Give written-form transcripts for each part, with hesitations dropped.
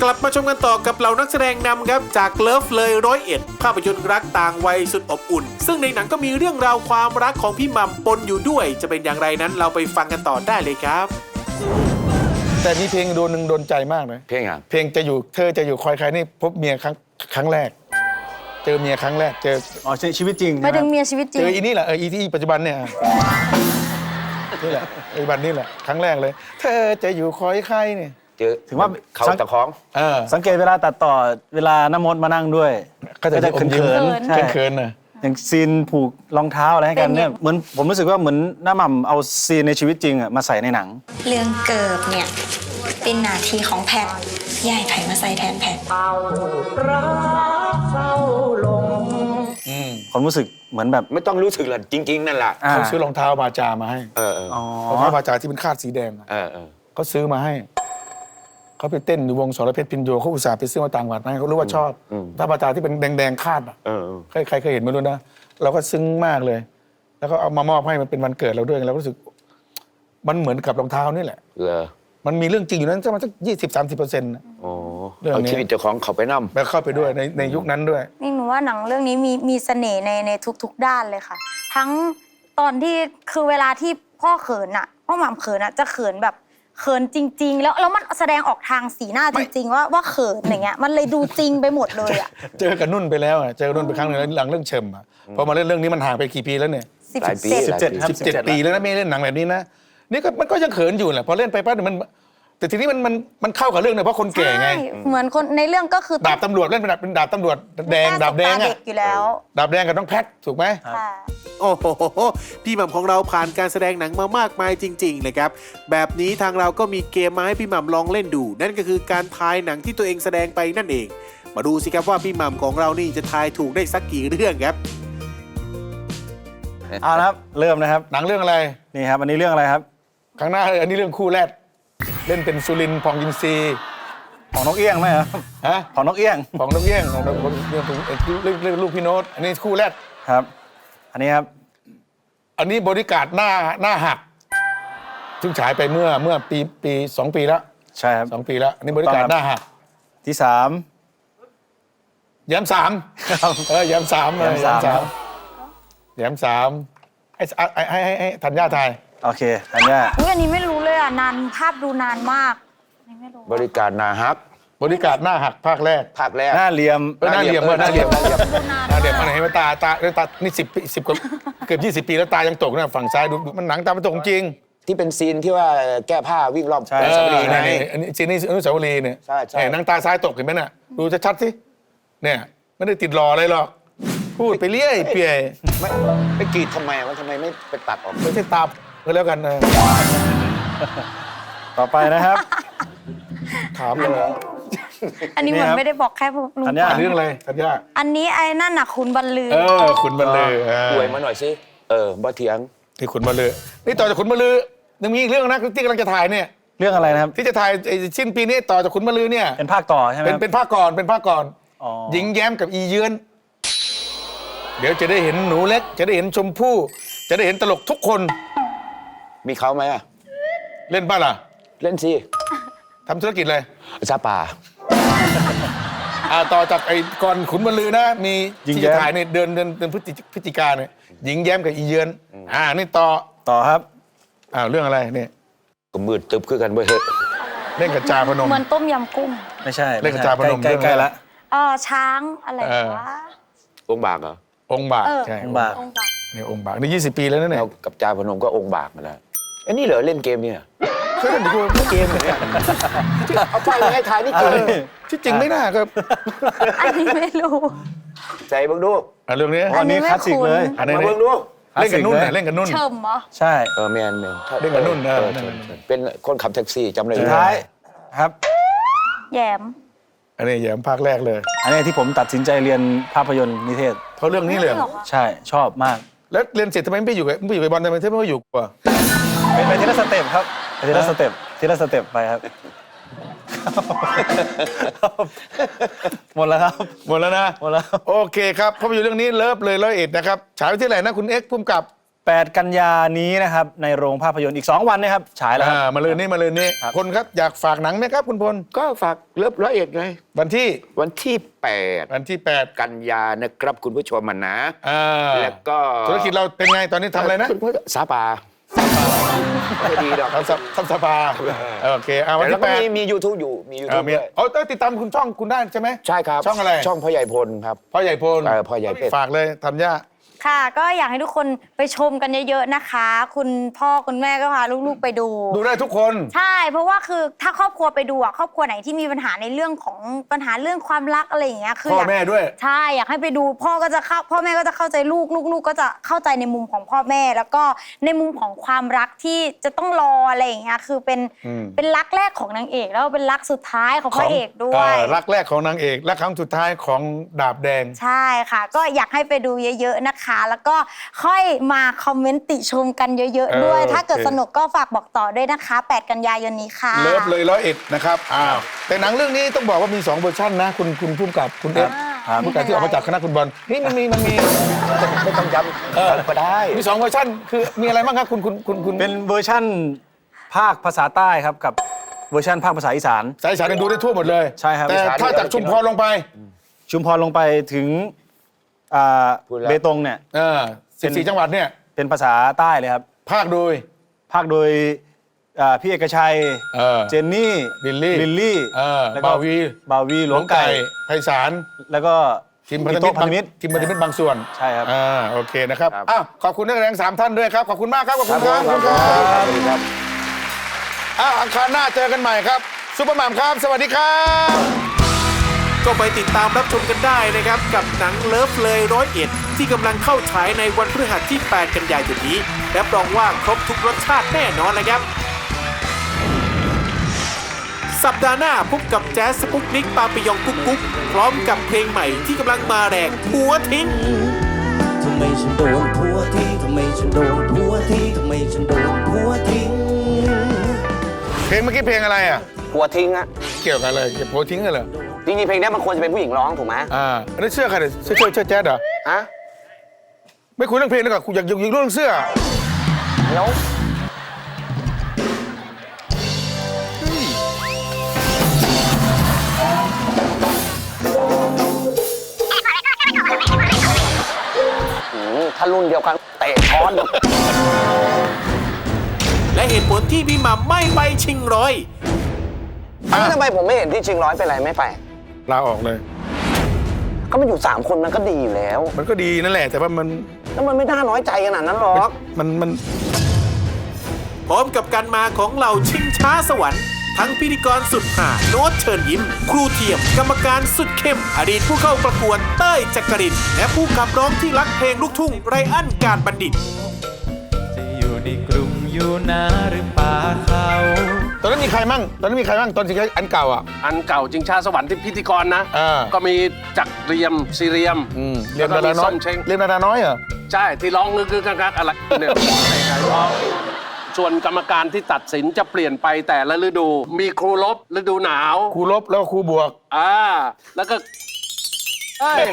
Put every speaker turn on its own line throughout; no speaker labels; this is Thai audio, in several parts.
กลับมาชมกันต่อกับเหล่านักแสดงนำครับจากเลิฟเลย101ภาพยนตร์รักต่างวัยสุดอบอุ่นซึ่งในหนังก็มีเรื่องราวความรักของพี่หม่ำปนอยู่ด้วยจะเป็นอย่างไรนั้นเราไปฟังกันต่อได้เลยครับ
แต่มีเพลงโดนใจมากเลย
เพลงอ่ะ
เพลงจะอยู่เธอจะอยู่คอยใครนี่พบเมียครั้งแรกเจอเมียครั้งแรกเจอ
ชีวิตจริง
ไม่ถึงเมียชีวิตจริง
เจออีนี่แหละอีที่ปัจจุบันเนี่ยนี่แหละปัจจุบันนี่แหละครั้งแรกเลยเธอจะอยู่คอยใครเนี่ย
เจอ
ถึงว่า
เขาตะของ
สังเกตเวลาตัดต่อเวลาน้ำมดมานั่งด้วย
ก็จะเขินเขินนะ
อย่างซีนผูกรองเท้าอะไรให้กันเนี่ยเหมือนผมรู้สึกว่าเหมือนน้าหม่ำเอาซีนในชีวิตจริงอะมาใส่ในหนัง
เรื่องเกิดเนี่ยเป็นหน้าที่ของแพทย์ย่ายไผ่มาใส่แทนแพทย์
ความรู้สึกเหมือนแบบ
ไม่ต้องรู้สึกหรอกจริงๆนั่นแหละ
เขาซื้อรองเท้าบาจามาให้รองเท้าบาจาที่เป็นคาดสีแดงเขาซื้อมาให้เขาไปเต้นอยู่วงสรเพชรพินโยเขาอุตส่าห์ไปซื้อมาต่างจังหวัดให้เขารู้ว่าชอบถ้าบาจาที่เป็นแดงๆคาดอ่ะใครเคยเห็นไม่รู้นะเราก็ซึ้งมากเลยแล้วก็เอามามอบให้มันเป็นวันเกิดเราด้วยเรารู้สึกมันเหมือนกับรองเท้านี่แหละมันมีเรื่องจริงอยู่นั้นสัก20-30%
เอาชีวิตเจ้าของเขาไปนำ
แล้วเข้าไปด้วยในยุคนั้นด้วย
นี่หนูว่าหนังเรื่องนี้มีเสน่ห์ในทุกด้านเลยค่ะทั้งตอนที่คือเวลาที่พ่อเขินอ่ะพ่อหม่ำเขินอ่ะจะเขินแบบเขินจริงๆแล้วมันแสดงออกทางสีหน้าจริงๆว่าเขินอย่างเงี้ยมันเลยดูจริงไปหมดเลยอ่ะ
เจอกับนุ่นไปแล้วเจอกับนุ่นไปครั้งนึงหลังเรื่องเชิมอ่ะพอมาเล่นเรื่องนี้มันห่างไปกี่ปีแล้วเนี่ย17 ปีแล้วนะไม่เล่นหนังแบบนี้นะนี่ก็มันก็ยังเขินอยู่แหละพอเล่นไปปั๊บมันแต่ทีนี้มันเข้ากับเรื่องเนี่ยเพราะคนแก่ไง
เหมือนคนในเรื่องก็คือ
ดาบตำรวจเล่นเป็นดาบตำรวจแดงดาบแดงอ่ะ
อยู่แล้ว
ดาบแดงกับน้องแพทถูกไหม
โอ้โหพี่หม่ำของเราผ่านการแสดงหนังมามากมายจริงๆเลยครับแบบนี้ทางเราก็มีเกมมาให้พี่หม่ำลองเล่นดูนั่นก็คือการทายหนังที่ตัวเองแสดงไปนั่นเองมาดูสิครับว่าพี่หม่ำของเรานี่จะทายถูกได้สักกี่เรื่องครับ
เอาละครับเริ่มนะครับ
หนังเรื่องอะไร
นี่ครับอันนี้เรื่องอะไรครับ
ข้างหน้าอันนี้เรื่องคู่แรกเล่นเป็นสุรินทร์พองยินซี
ของนกเอี้ยงไหมครับของนกเอี้ยง
ของนกเอี้ยงของเรื่องลูกพี่โน้ตอันนี้คู่แรก
ครับอันนี้ครับ
อันนี้บริการหน้าหักซึ่งฉายไปเมื่อปี2 ปีแล้ว
ใช่ครับ
2 ปีแล้วอันนี้บริการหน้าหัก
ที่
3แย้ม3แย้ม3ให้ธัญญาทาย
โอเคธัญญา
อันนี้ไม่รู้เลยอ่ะนานภาพดูนานมาก
บริการหน้าหัก
บริการหน้าหักภาคแรก
หน้าเหลี่ยม
หน้าเหลี่ยมอะไรเห็นไหมตานี่10 กว่าเกือบ20 ปีแล้วตายังตกนะฝั่งซ้ายดูมันหนังตามันตกจริง
ที่เป็นซีนที่ว่าแก้ผ้าวิ่งรอบ
อนุสาวรีย์ไงอันนี้ซีนนี้อนุสาวรีย์เนี่ยใช่หนังตาซ้ายตกเห็นไหมน่ะดูชัดๆสิเนี่ยไม่ได้ติดรออะไรหรอกพูดไปเรื่อยเปื่อย
ไม่กรีดทำไมมันทำไมไม่ไปตัดออก
ไม่ใช่ตาก็แล้วกัน
ต่อไปนะครับ
ถามเลย
อันนี้เหมือนไม่ได้บอกแค่ลุง
ธัญญาเรื่องอะไรธัญญา
อันนี้ไอ้นั่นน่ะขุนบรรลือ
ขุนบรรลือ
ป่วยมาหน่อยสิบ่เถียง
ที่ขุนบรรลือนี่ต่อจากขุนบรรลือยังมีอีกเรื่องนะที่กำลังจะถ่ายเนี่ย
เรื่องอะไรนะครับ
ที่จะถ่ายสิ้นปีนี้ต่อจากขุนบรรลือเนี่ย
เป็นภาคต่อใช่ไหม
เป็นภาคก่อนหญิงแย้มกับอีเยือนเดี๋ยวจะได้เห็นหนูเล็กจะได้เห็นชมพู่จะได้เห็นตลกทุกคน
มีเขาไหมอะ
เล่นบ้าล่ะ
เล่นสิ
ทำธุรกิจเลย
ซาป่า
ต่อจากไอ้ก่อนขุนบรรลือนะมีที่จะถ่ายในเดือนพฤศจิกาเนี่ยหญิงแย้มกับอีเยือนนี่ต่อ
ครับ
เรื่องอะไรเนี่ย
ก็มืดตึบคือกันเว้ย
เล่นกับจาพนม
เหมือนต้มยำกุ้ง
ไม่ใช่
เล่นกับจาพนม
ใกล้ๆละ
ช้างอะไรวะ
องค์บากเหรอ
องค์บากใช่
องค์บาก
นี่องค์บากนี่20 ปีแล้วนะเนี่ย
กับจาพนมก็องค์บากมาแล้วอันนี้เหรอเล่นเกมเนี่ย
เคยเล่นเกมเนี่ย
เอาไปให้ทายนี่เกม
ที่จริงไม่น่าครับ
อันนี้ไม่รู้
ใจเบิ่งดู
เรื่องนี้
อันนี้คลาสสิกเลย
มาเบิ่งดู
เล่นกับนุ่นเล่นกับนุ่น
เชิมเหรอ
ใช่
แมน
เล่นกับนุ่น
เป็นคนขับแท็กซี่จำได้
สุดท้ายครับ
แย้ม
อันนี้แย้มภาคแรกเลย
อันนี้ที่ผมตัดสินใจเรียนภาพยนตร์นิเทศ
เพราะเรื่องนี้เลย
ใช่ชอบมาก
แล้วเรียนเสร็จทำไมไม่อยู่กับบอลทำไมไม่อยู่กว่า
ไปทีละสเต็ปครับทีละสเต็ปไปครับหมดแล้วครับ
หมดแล้วนะ
หมดแล้ว
โอเคครับภาพยนตร์เรื่องนี้เลิฟเลย101นะครับฉายวันที่ไหนนะคุณเอ็กซ์พุ่มกับ
8 กันยานี้นะครับในโรงภาพยนตร์อีก 2 วันนะครับฉายแล้วครับ
มาเลยนี่
ครับ
พลครับอยากฝากหนังไหมครับคุณพล
ก็ฝากเลิฟร้อยเอ็ดไง
วันที่
วันที่ 8 กันยานะครับคุณผู้ชมนะ แล้วก็
ธุรกิจเราเป็นไงตอนนี้ทำอะไรนะ
สาปาไม่ดีดอก
ทำสปาโอเควัน
แล้ว
ที่
ก็
8
มี YouTube อยู่มี YouTube ด้วย
ติดตามคุณช่องคุณได้ใช่ไหม
ใช่ครับ
ช่องอะไร
ช่องพ่อใหญ่พลครับ
พ่อใหญ่พล
พ่อใหญ่เพชร
ฝากเลยธัญญา
ค่ะก็อยากให้ทุกคนไปชมกันเยอะๆนะคะ คุณพ่อคุณแม่ก็พาลูกๆไปดู
ดูได้ทุกคน
ใช่เพราะว่าคือถ้าครอบครัวไปดูอะครอบครัวไหนที่มีปัญหาในเรื่องของปัญหาเรื่องความรักอะไรอย่างเงี้ยคือ
พ่อ
อยาก
แม่ด้วย
ใช่อยากให้ไปดูพ่อแม่ก็จะเข้าใจลูกก็จะเข้าใจในมุมของพ่อแม่ แล้วก็ในมุมของความรักที่จะต้องรออะไรอย่างเงี้ยคือเป็นรักแรกของนางเอกแล้วเป็นรักสุดท้ายของพระเอกด้วย
รักแรกของนางเอกและครั้งสุดท้ายของดาบแดง
ใช่ค่ะ ก็อยากให้ไปดูเยอะๆนะคะ แล้วก็ค่อยมาคอมเมนต์ติชมกันเยอะๆด้วย ถ้าเกิดสนุกก็ฝากบอกต่อด้วยนะคะ 8 กันยายนนี้ค่ะ
เลิฟเลย101นะครับแต่หนังเรื่องนี้ต้องบอกว่ามี2เวอร์ชันนะคุณพุ่มกับคุณเอฟผู้กำกับที่ออกมาจากคณะคุณบอลนี่มันมี
ไม่ต้องย้ำก็ได้
มี2เวอร์ชันคือมีอะไรบ้างครับคุณ
เป็นเวอร์ชั่นภาคภาษาใต้ครับกับเวอร์ชั่นภาคภาษาอีสาน
สายสารดูได้ทั่วหมดเลย
ใช่ครับ
แต่ถ้าจากชุมพรลงไป
ชุมพรลงไปถึงเบตงเนี่ย
14 จังหวัดเนี่ย
เป็นภาษาใต้เลยครับ
ภาคโดย
พี่เอกชัย เจนนี่
ลิลลี่
แล้วก็
บ่าวี
หลวงไก่
ไพศาล
แล้วก็
ทีมพันธมิตรบางส่วน
ใช่ครับ
โอเคนะครับขอบคุณนักแสดง3ท่านด้วยครับขอบคุณมากครับขอบคุณครับ
ครับ
อังคารหน้าเจอกันใหม่ครับซุปเปอร์หม่ำครับสวัสดีครับ
ก็ไปติดตามรับชมกันได้นะครับกับหนังเลิฟเลย101ที่กำลังเข้าฉายในวันพฤหัสที่ 8 กันยายนนี้รับรองว่าครบทุกรสชาติแน่นอนเลยครับ สัปดาห์หน้าพบกับแจ๊สสปุกนิกปาปิยองกุ๊กกุ๊กพร้อมกับเพลงใหม่ที่กำลังมาแรงผัวทิ้ง
ทำไมฉันโดนผัวทิ้งทำไมฉันโดนผัวทิ้งทำไมฉันโดนผัวทิ้ง
เพลงเมื่อกี้เพลงอะไรอ่ะ
ผัวทิ้งอะ
เกี่ยวกับอะไรเกี่ยวกับโพทิ้งกันเหรอ
จริงๆเพลงนี้มันควรจะเป็นผู้หญิงร้องถูกไหม
อันนี้เสื้อใครเนี่ยเสื้อแจ๊ดเหรอ
ฮะ
ไม่คุยเรื่องเพลงแล้วก็อยากเรื่องเสื้อ
แล้วถ้ารุ่นเดียวกันเตะช้อน
และเหตุผลที่พี่หม่ำไม่ไปชิงร้อย
ทำไมผมไม่เห็นที่ชิงร้อยเป็นไรไม่ไป
ลาออกเลย
ก็มันอยู่3คนมันก็ดีอยู่แล้ว
มันก็ดีนั่นแหละแต่ว่ามัน
แล้วมันไม่น่าน้อยใจขนาดนั้นหรอก
มัน
พร้อมกับการมาของเหล่าชิงช้าสวรรค์ทั้งพิธีกรสุดหาโน้ตเชิญยิ้ม ครูเทียมกรรมการสุดเข้ม อดีตผู้เข้าประกวดเต้ยจักรินทร์และผู้ขับร้องที่รักเพลงลูกทุ่งไรอันการบัณฑิต
จะอยู่ในกรุงอยู่นาหรือป่าเขา
ตอนนั้นมีใครมั่งตอนสิอันเก่าอ่ะ
อันเก่าจิงชาสวรรค์ที่พิธีกรนะ ก็มีจักรเรียมซีเรียม
เรียนดาราน้อย
เช้ง
เรียนดาราน้อยเหรอ
ใช่ที่ร้องงึกๆกักๆอะไรเนี่ยร้องส่วนกรรมการที่ตัดสินจะเปลี่ยนไปแต่ละฤดู มีครูลบฤดูหนาว
ครูลบแล้วก็ครูบวก
แล้วก็เอ้ย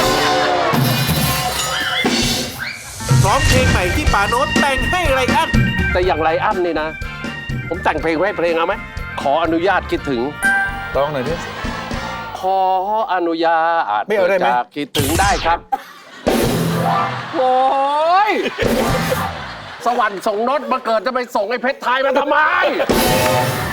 พร้อมเพลงใหม่ที่ป่าโน้ตแต่งให้ไรอัน
แต่อย่างไรอันนี่นะ ผมแต่งเพลงไว้ให้เพลงเอาไหมขออนุญาตคิดถึง
ร้องหน่อยดิ
ขออนุญาต
ไม่เอาได้ไหม
จากคิดถึงได้ครับ โอ้ย สวรรค์ส่งโน้ตมาเกิดจะไปส่งไอ้เพชรไทยมันทำไม